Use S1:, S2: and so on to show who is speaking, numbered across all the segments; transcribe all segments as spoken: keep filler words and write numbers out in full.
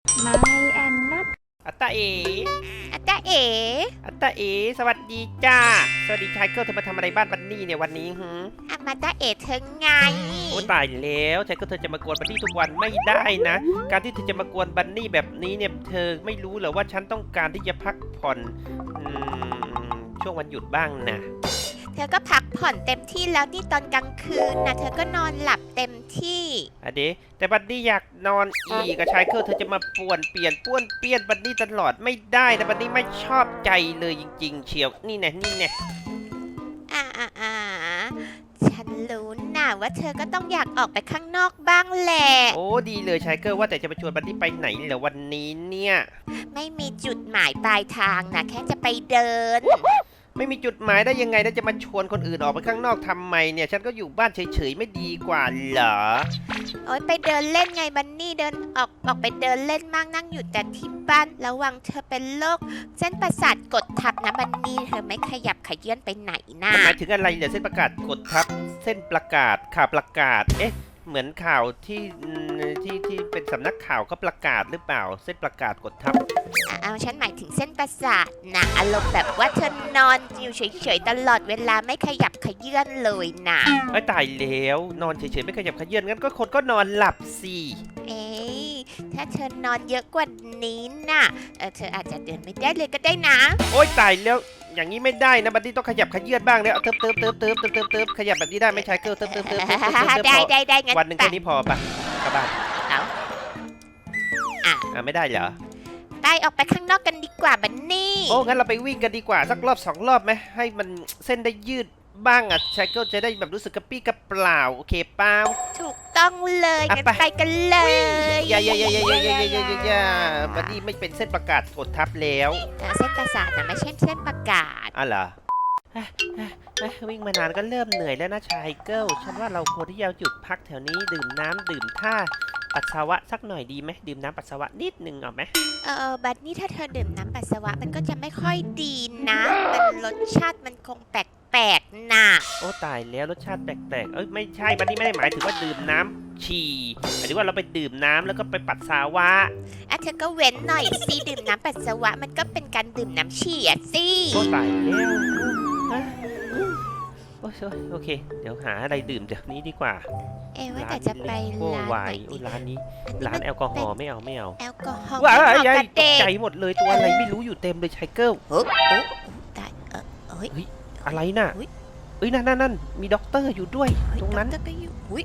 S1: ไม่แอนนัท
S2: อัตตาเอ
S3: อาจารย์เอ๋
S2: อัตตาเอสวัสดีจ้าสวัสดีชายเกิลเธอมาทำอะไรบ้านบันนี่เนี่ยวันนี้ฮึ
S3: อามาตาเอ๋เธอไง
S2: โอ้ตายแล้วชายเกิลเธอจะมากวนบันนี่ทุกวันไม่ได้นะการที่เธอจะมากวนบันนี่แบบนี้เนี่ยเธอไม่รู้เหรอว่าฉันต้องการที่จะพักผ่อนอืมช่วงวันหยุดบ้างนะ
S3: เธอก็พักผ่อนเต็มที่แล้วนี่ตอนกลางคืนนะเธอก็นอนหลับเต็มที่
S2: อะเดแต่บันนี่อยากนอนอีกกับชายเกิลเธอจะมาป่วนเปลี่ยนป้วนเปี้ยนบันนี่ตลอดไม่ได้แต่บันนี่ไม่ชอบใจเลยจริงๆเชียวนี่แน่นี่แน่
S3: อ่าอ่าอ่าฉันรู้นะว่าเธอก็ต้องอยากออกไปข้างนอกบ้างแหละ
S2: โอ้ดีเลยชายเกิลว่าแต่จะไปชวนบันนี่ไปไหนเหรอวันนี้เนี่ย
S3: ไม่มีจุดหมายปลายทางนะแค่จะไปเดิน
S2: ไม่มีจุดหมายได้ยังไงแล้วจะมาชวนคนอื่นออกไปข้างนอกทำไมเนี่ยฉันก็อยู่บ้านเฉยๆไม่ดีกว่าเหรอ
S3: โอ๊ยไปเดินเล่นไงบันนี่เดินออกออกไปเดินเล่นมากนั่งอยู่แต่ที่บ้านระวังเธอเป็นโรคเส้นประสาทกดทับนะบันนี่เธอไม่ขยับขยื่นไปไหนนะ
S2: หมายถึงอะไรเนี่ยเส้นประกาศกดทับเส้นประกาศข่าวประกาศเอ๊ะเหมือนข่าวที่ที่ที่เป็นสำนักข่าวก็ประกาศหรือเปล่าเส้นประกาศกดทับ
S3: เอาฉันหมายถึงเส้นประสาทนะอารมณ์แบบว่าเธอนอนอยู่เฉยๆตลอดเวลาไม่ขยับขยื่นเลยนะ
S2: ไอ้ตายแล้วนอนเฉยๆไม่ขยับขยื่นงั้นก็คนก็นอนหลับสิ
S3: เอ๊ถ้าเธอนอนเยอะกว่านี้น่ะเออเธออาจจะเดินไม่ได้เลยก็ได้นะ
S2: โอ๊ยตายแล้วอย่างนี้ไม่ได้นะบัดดี้ต้องขยับขยื่นบ้างแล้วเติมเติมเติมเติมเติมเติมเติมขยับแบบนี้ได้ไหมชายเกิลเติมเติมเติมเติม
S3: ได้ได้ได้งั้น
S2: วันหนึ่งแค่นี้พอปะกลับบ้าน
S3: เอาอ่ะ
S2: อ่ะไม่ได้เหรอ
S3: ไปออกไปข้างนอกกันดีกว่าบันนี่
S2: โอ้งั้นเราไปวิ่งกันดีกว่าสักรอบสองรอบไหมให้มันเส้นได้ยืดบ้างอ่ะชายเกิลจะได้แบบรู้สึกกระปี้กระเปล่าโอเคเปล่า
S3: ถูกต้องเลยงั้นไปกันเลย
S2: อย่าอย่าอย่าอย่าอย่าอย่าอย่าอย่าอย่าบัดดี้ไม่เป็นเส้นประกาศกดทับแล้ว
S3: เส้นประสาทนะไม่ใช่เส้นประกาศ
S2: อ๋อเหรอวิ่งมานานก็เริ่มเหนื่อยแล้วนะชายเกิลฉันว่าเราควรที่จะหยุดพักแถวนี้ดื่มน้ำดื่มท่าปัสสาวะสักหน่อยดีไหมดื่มน้ำปัสสาวะนิดนึงเอาไหม
S3: เออบัดนี้ถ้าเธอดื่มน้ำปัสสาวะมันก็จะไม่ค่อยดีนะมันรสชาติมันคงแปลกๆนะ
S2: โอ้ตายแล้วรสชาติแปลกๆเอ้ยไม่ใช่บัดนี้ไม่ได้หมายถึงว่าดื่มน้ำฉี่หมายถึงว่าเราไปดื่มน้ำแล้วก็ไปปัสสาวะ
S3: อ่ะเธอก็เว้นหน่อยสิดื่มน้ำปัสสาวะมันก็เป็นการดื่มน้ำฉี่อ่ะสิ
S2: โอ้ตายแล้วโอ้ยโอเคเดี๋ยวหาอะไรดื่มเดี๋ยวนี้ดีกว่า
S3: เอ๊ว่าแต่จะไปร้านไหน
S2: ดีร้านนี้ร้านแอลกอฮอล์ไม่เอาไม่เอา
S3: แอลกอฮอล์
S2: ว้ายใหญ่ตกใจหมดเลยตัวอะไรไม่รู้อยู่เต็มเลยชายเกิล
S3: เฮ้ยตายเออเฮ้ย
S2: อะไรน่ะเอ้ยนั่นนั่นนั่นมีด็อกเตอร์อยู่ด้วยตรงนั้น
S3: ก็อยู่อุ้ย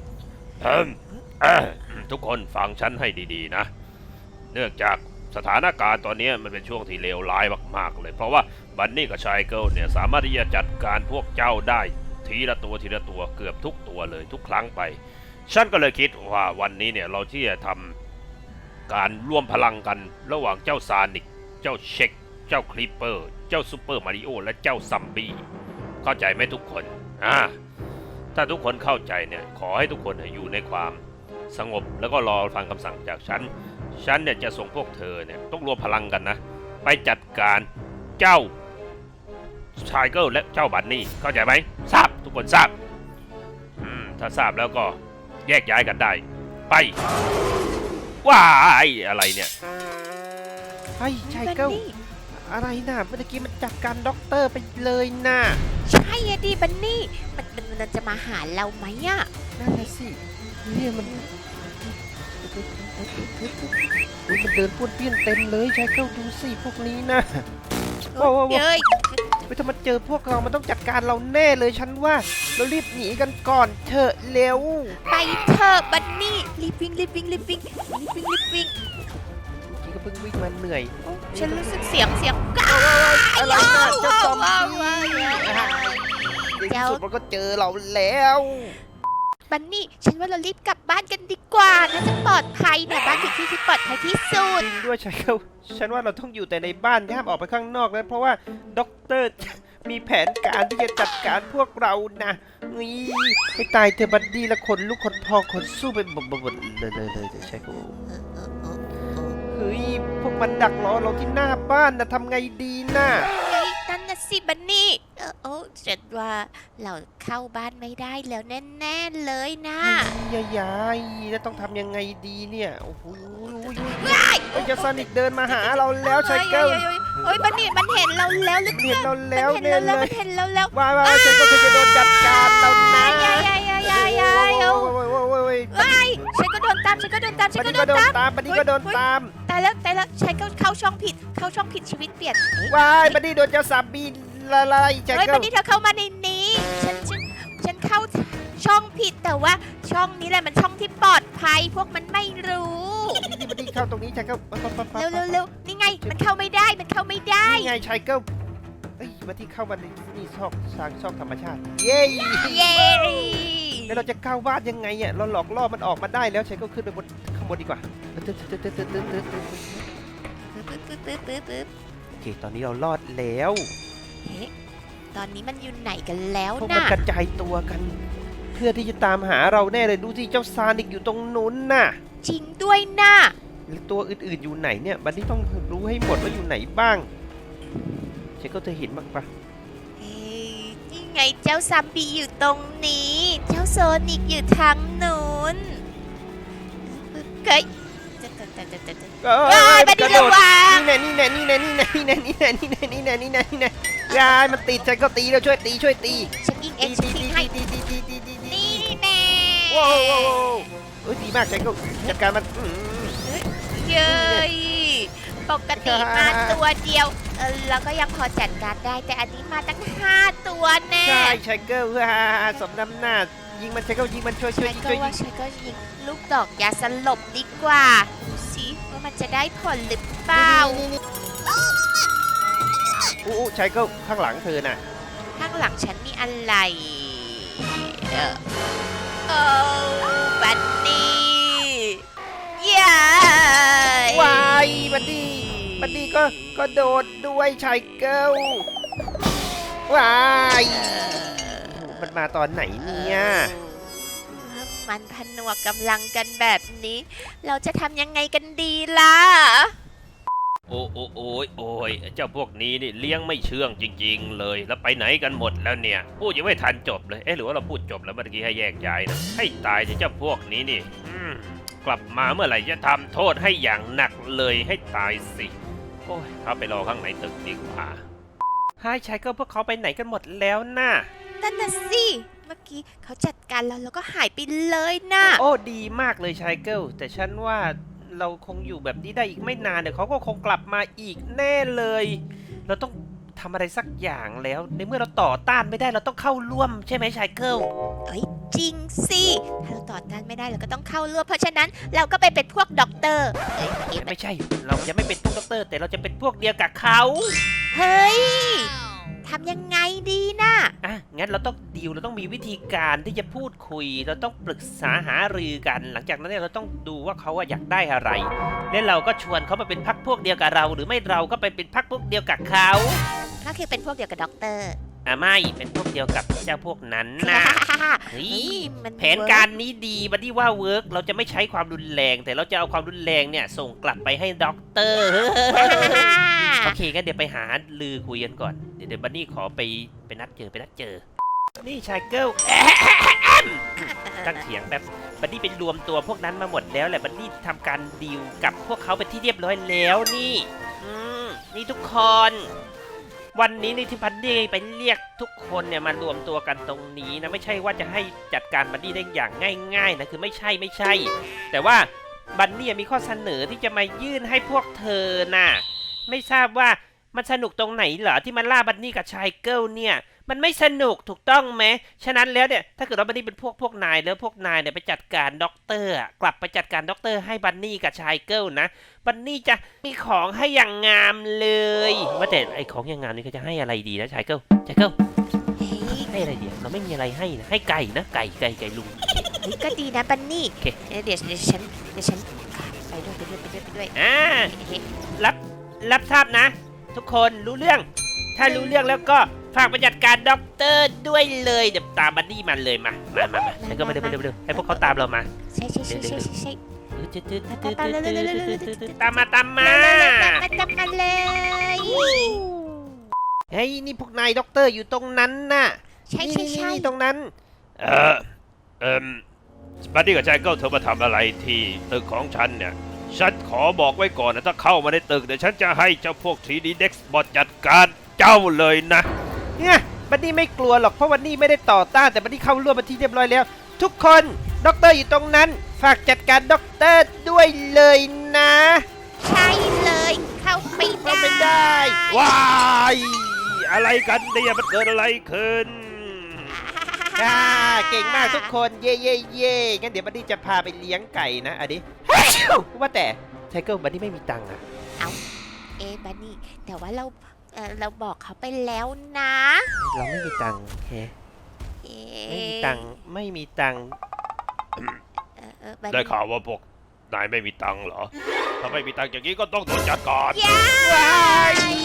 S4: ทุกคนฟังฉันให้ดีๆนะเนื่องจากสถานการณ์ตอนนี้มันเป็นช่วงที่เลวร้ายมากๆเลยเพราะว่าบันนี่กับชายเกิลเนี่ยสามารถที่จะจัดการพวกเจ้าได้ทีละตัวทีละตัวเกือบทุกตัวเลยทุกครั้งไปฉันก็เลยคิดว่าวันนี้เนี่ยเราที่จะทำการร่วมพลังกันระหว่างเจ้าซานิกเจ้าเช็คเจ้าคลิปเปอร์เจ้าซูเปอร์มาริโอและเจ้าซัมบี้เข้าใจไหมทุกคนอ่าถ้าทุกคนเข้าใจเนี่ยขอให้ทุกคนอยู่ในความสงบแล้วก็รอฟังคำสั่งจากฉันฉันเนี่ยจะส่งพวกเธอเนี่ยต้องรวมพลังกันนะไปจัดการเจ้าชายเกิลและเจ้าบันนี่เข้าใจไหมทราบทุกคนทราบอืมถ้าทราบแล้วก็แยกย้ายกันได้ไปว้ายอะไรเนี่ย
S2: ไอ้ชายเกิลอะไรน่ะเมื่อกี้มันจัดการด็อกเตอร์ไปเลยน่ะ
S3: ใช่อะดิบันนี่มันมันจะมาหาเราไหมอะ
S2: นั่นแหละสิเนี่ยมันมันเดินป้วนเปี้ยนเต็มเลยชายเกิลดูสิพวกนี้นะ
S3: โอ้ย
S2: ไปถ้ามันเจอพวกเรามันต้องจัดการเราแน่เลยฉันว่าเรารีบหนีกันก่อนเถอะเร็ว
S3: ไปเถอะบันนี่รีบวิ่งรีบวิ่งรีบวิ่งรีบวิ่งรีบวิ่ง
S2: เมื่อกี้ก็เพิ่งวิ่งมาเหนื่อย
S3: ฉันรู้สึกเสียงเสียงก้าว
S2: อะไรนะเจ้าซอมบี้ในที่สุดมันก็เจอเราแล้ว
S3: บันนี่ฉันว่าเรารีบกลับบ้านกันดีกว่าน่าจะปลอดภัยเนี่ยบ้านคือที่ที่ปลอดภัยที่สุด
S2: จริงด้วยใช่ครับฉันว่าเราต้องอยู่แต่ในบ้านห้ามออกไปข้างนอกนะเพราะว่าด็อกเตอร์มีแผนการที่จะจัดการพวกเรานะนี่ให้ตายเธอบัดดี้ละคนลูกคนพอคนสู้ไปหมดหมดเลยเลยเลยใช่ครับเฮ้ยพวกมันดักรอเราที่หน้าบ้านนะทำไงดีนะ
S3: นั่นน่ะสิบันนี่เออโอ้ฉันว่าเราเข้าบ้านไม่ได้แล้วแน่ๆเลยนะ
S2: ยายยายแล้วต้องทำยังไงดีเนี่ยโอ้โห
S3: ว้าย
S2: เฮ้ยเจ้าซานิกเดินมาหาเราแล้วชายเกิล
S3: เฮ้ยเฮ้ยบันนี่มันเห็นเราแล้วหรือ
S2: เห็นเราแล้ว
S3: มัน
S2: เนี่
S3: เห็
S2: ย
S3: นเรา
S2: เล
S3: แล้วมั
S2: ย
S3: นเห็นเราแล้ว
S2: ว้าวว้าวชายเกิลเธอจะโดนจัดการเรานะ
S3: ยายยายยายยายยายโอ้
S2: โอ้ยโอ้ยโอ้ยโอ้ย
S3: ยฉันก็โดนตามฉันก็โดนตามฉั
S2: บั
S3: น
S2: น
S3: ก็
S2: นี้
S3: โด
S2: ก็
S3: น
S2: โดน
S3: ตาม
S2: ตามบันนี้ก็โดนตาม
S3: แต่แล้วแต่แล้วฉันก็เข้าช่องผิดเข้าช่องผิดชีวิตเปลี่ยนเอ๊ะ
S2: ว้ายบันนี้โดนเจ้าซาบีละลายชาย
S3: เฮ้ย
S2: เกิ
S3: วั
S2: ล
S3: นนี้เธอเข้ามาในนี้ฉันฉันฉันเข้าช่องผิดแต่ว่าช่องนี้แหละมันช่องที่ปลอดภัยพวกมันไม่รู้
S2: นี่บันนี้เข้าตรงนี้ชายเกิลปั๊บปั๊บปั๊บปั๊บ
S3: เร็วเร็วเร็วนี่ไงมันเข้าไม่ได้มันเข้าไม่ได้
S2: นี่ไงชายเกิลเอ้ยบันนี้เข้ามาในนี่ชอบสร้างช่องธรรมชาติเย้
S3: เย้
S2: แล้วเราจะก้าววาดยังไงอ่ะเราหลอกล่อมันออกมาได้แล้วชายเกิลขึ้นไปบนข้างบนดีกว่าตึ๊ดตึ๊ดตึ๊ดตึ๊ดตึ๊ดตึ๊ดตึ๊ด
S3: ตึ๊ดตึ๊ดตึ๊ดตึ๊ดตึ๊ด
S2: โอเคตอนนี้เรารอดแล้ว
S3: เฮ้ตอนนี้มันอยู่ไหนกันแล้ว
S2: พวกมัน
S3: น่ะ
S2: กระจายตัวกัน เพื่อที่จะตามหาเราแน่เลยดูสิเจ้าซานิกอยู่ตรงนู้นน่ะ
S3: จริงด้วยน่ะ
S2: แล้วตัวอื่นๆอยู่ไหนเนี่ยบันนี้ต้องรู้ให้หมดว่าอยู่ไหนบ้างเชคก็เธอเห็นบ้างปะ
S3: เฮ้ยนี่ไงเจ้าซัมบี้อยู่ตรงนี้ เจ้าโซนิกอยู่ทางนู้นเฮ้ยจะจะจะจะจะจะ
S2: เอ้
S3: เฮ้ย
S2: ย
S3: บัน
S2: ก
S3: นี่
S2: ระโด
S3: ระ
S2: ด
S3: วัง
S2: นี่แน่นี่แน่นี่แน่นี่แน่นี่แน่นี่แน่นี่แน่นี่แน่นี่แน่นี่แน่ยายมันติดฉันก็ตีแล้วช่วยตีช่วยตี
S3: ฉันยิงเอ
S2: ตี
S3: งฉัน
S2: ตี
S3: ยิง
S2: ตี
S3: ให้
S2: ตีตีตีตีตีตี
S3: นี่แน่
S2: ว้าวว้าวว้าวเอ้ยดีมากฉันก็จัดการมันอืม
S3: เย้ยปกติมาตัวเดียวเออเราก็ยังพอจัดการได้แต่อันนี้มาตั้งห้าตัวแน่
S2: ใช่ชายเกิลฮ่าสมน้ำหน้ายิงมันชายเกิลยิงมันช่วยช่วย
S3: ฉัน
S2: ยิง
S3: ก็
S2: ช่วยยิ
S3: ว่าง ฉันก็ยิงลูกดอกยาสลบดีกว่าดูสิว่ามันจะได้ผลหรือเปล่า
S2: นี่นี่อู้ชายเกิลข้างหลังเธอน่ะ
S3: ข้างหลังฉันมีอะไรเออโอ้บันนี่เย้ยว
S2: ายบัดดี้บัดดี้ก็ก็โดดด้วยชายเกิลวายมันมาตอนไหนเนี่ย
S3: มันผนวกกำลังกันแบบนี้ เราจะทำยังไงกันดีล่ะ
S4: โอ้โอ้โอ้ยโอ้ยเจ้าพวกนี้นี่เลี้ยงไม่เชื่องจริง ๆ เลย แล้วไปไหนกันหมดแล้วเนี่ย พูดยังไม่ทันจบเลยเอ๊ะหรือว่าเราพูดจบแล้วเมื่อกี้ให้แยกย้ายนะให้ตายเถอะเจ้าพวกนี้นี่อืมกลับมาเมื่อไหร่จะทำโทษให้อย่างหนักเลยให้ตายสิโอ้ยเข้าไปรอข้างในตึกดีกว่า
S2: ไฮชายเกิลพวกเขาไปไหนกันหมดแล้วน่ะ
S3: นั่นน่ะสิ เมื่อกี้เขาจัดการเราแล้วก็หายไปเลยนะ
S2: โอ้ดีมากเลยชายเกิลแต่ฉันว่าเราคงอยู่แบบนี้ได้อีกไม่นานเดี๋ยวเขาก็คงกลับมาอีกแน่เลย เราต้องทำอะไรสักอย่างแล้วในเมื่อเราต่อต้านไม่ได้เราต้องเข้าร่วมใช่ไหมชายเกิล
S3: เอ้ยจริงสิ ถ้าเราต่อต้านไม่ได้เราก็ต้องเข้าร่วมเพราะฉะนั้นเราก็ไปเป็นพวกด็อกเตอร์เอ้ยเอ้ย
S2: ไม่ใช่ เราจะไม่เป็นพวกด็อกเตอร์ แต่เราจะเป็นพวกเดียวกับเขา
S3: เฮ้ยทำยังไงดีนะ
S2: อ่ะงั้นเราต้องดีลเราต้องมีวิธีการที่จะพูดคุย เราต้องปรึกษาหารือกัน หลังจากนั้นเนี่ยเราต้องดูว่าเขาอะอยากได้อะไร แล้วเราก็ชวนเขามาเป็นพักพวกเดียวกับเรา หรือไม่เราก็ไปเป็นพักพวกเดียวกับเขา
S3: ก็คือเป็นพวกเดียวกับด็อกเตอร์
S2: อ่ะไม่เป็นพวกเดียวกับเจ้าพวกนั้นนะเฮ้
S3: เฮ้
S2: ย
S3: ยมัน
S2: แผนการนี้ดีบัดดี้ว่าเวิร์กเราจะไม่ใช้ความรุนแรง แต่เราจะเอาความรุนแรงเนี่ยส่งกลับไปให้ด็อกเตอร์ โอเคงั้นเดี๋ยวไปหาลือคุยกันก่อน เดี๋ยวเดี๋ยวบันนี่ขอไปไปนัดเจอไปนัดเจอ นี่ชายเกิลตั้งเถียงแบบบันนี่เป็นรวมตัวพวกนั้นมาหมดแล้วแหละบันนี่ทำการดีลกับพวกเขาเป็นที่เรียบร้อยแล้วนี่ อืมนี่ทุกคน วันนี้นี่ที่บันนี่ไปเรียกทุกคนเนี่ยมารวมตัวกันตรงนี้นะไม่ใช่ว่าจะให้จัดการบันนี่ได้อย่างง่ายๆนะคือไม่ใช่ไม่ใช่ แต่ว่าบันนี่มีข้อเสนอที่จะมายื่นให้พวกเธอน่ะ ไม่ทราบว่ามันสนุกตรงไหนเหรอที่มันล่าบันนี่กับชายเกิลเนี่ยมันไม่สนุกถูกต้องไหมฉะนั้นแล้วเนี่ยถ้าเกิดว่าบันนี่เป็นพวกพวกนายแล้วพวกนายเนี่ยไปจัดการด็อกเตอร์อะกลับไปจัดการด็อกเตอร์ให้บันนี่กับชายเกิลนะบันนี่จะมีของให้อย่างงามเลยว่าแต่ไอของอย่างงามนี่เขาจะให้อะไรดีนะชายเกิลชายเกิล
S3: เฮ้ย
S2: ให้อะไรดีเราไม่มีอะไรให้นะให้ไก่นะไก่ไก่ไก่ลุง
S3: เฮ้ยก็ดีนะบันนี่
S2: โอเค
S3: เดี๋ยวเดี๋ยวเดี๋ยวฉันเดี๋ยวฉันไปด้วยไปด้วยไปด้วยไปด้วย
S2: อ่า
S3: เฮ้ย
S2: รับรับทราบนะ ทุกคนรู้เรื่อง ถ้ารู้เรื่องแล้วก็ฝากไปจัดการด็อกเตอร์ด้วยเลยเดี๋ยวตามบันนี่มันเลยมามามามาแล้วก็มาเร็วมาเร็วมาเร็วให้พวกเขาตามเรามา
S3: ใช่ใช่ใช่ใช่ใช่ใช่
S2: ตามมาตามมา
S3: มาจับมาเลย
S2: เฮ้ยนี่พวกนายด็อกเตอร์อยู่ตรงนั้นน่ะ
S3: ใช่ใช่ใช่
S2: นี่ตรงนั้น
S4: เออเอิมบัดดี้กับชายเกิลเธอมาทำอะไรที่ตึกของฉันเนี่ย ฉฉันขอบอกไว้ก่อนนะถ้าเข้ามาในตึกเดี๋ยวฉันจะให้เจ้าพวก ทรี ดี Dexbot จัดการเจ้าเลยนะ
S2: เนี่ยบันนี่ไม่กลัวหรอกเพราะวันนี้ไม่ได้ต่อต้านแต่บันนี่เข้าร่วมมาที่เรียบร้อยแล้ว ทุกคนด็อกเตอร์อยู่ตรงนั้น ฝากจัดการด็อกเตอร์ด้วยเลยนะ
S3: ใช่เลยเข้าไปได้
S2: เข้าไปได้
S4: ว้ายอะไรกันเนี่ยมันเกิดอะไรขึ้น
S2: อ่าเก่งมากทุกคนเย่เย่เย่งั้นเดี๋ยวบันนี่จะพาไปเลี้ยงไก่นะอันนี้ ว่าแต่ไทเกิลบันนี่ไม่มีตังค์อะ
S3: เอ๊ะบันนี่แต่ว่าเราเอ่อเราบอกเขาไปแล้วนะ
S2: เราไม่มีตังค์เฮ้
S3: เอ๊
S2: ไม่มีตังค์ไม่มีตังค์
S3: เอ่อเอ่อบัน
S4: ได้
S3: นี่
S4: ข่าวว่าพวกนายไม่มีตังค์เหรอ ถ้าไม่มีตังค์อย่างนี้ก็ต้องโดนจัดการ
S3: ย้า
S2: ว้าย
S3: ย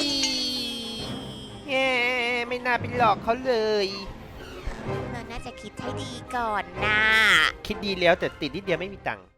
S2: เย้ไม่น่าไปหลอกเขาเลย
S3: เราน่าจะคิดให้ดีก่อนนะ
S2: คิดดีแล้วแต่ติดนิดเดียวไม่มีตังค์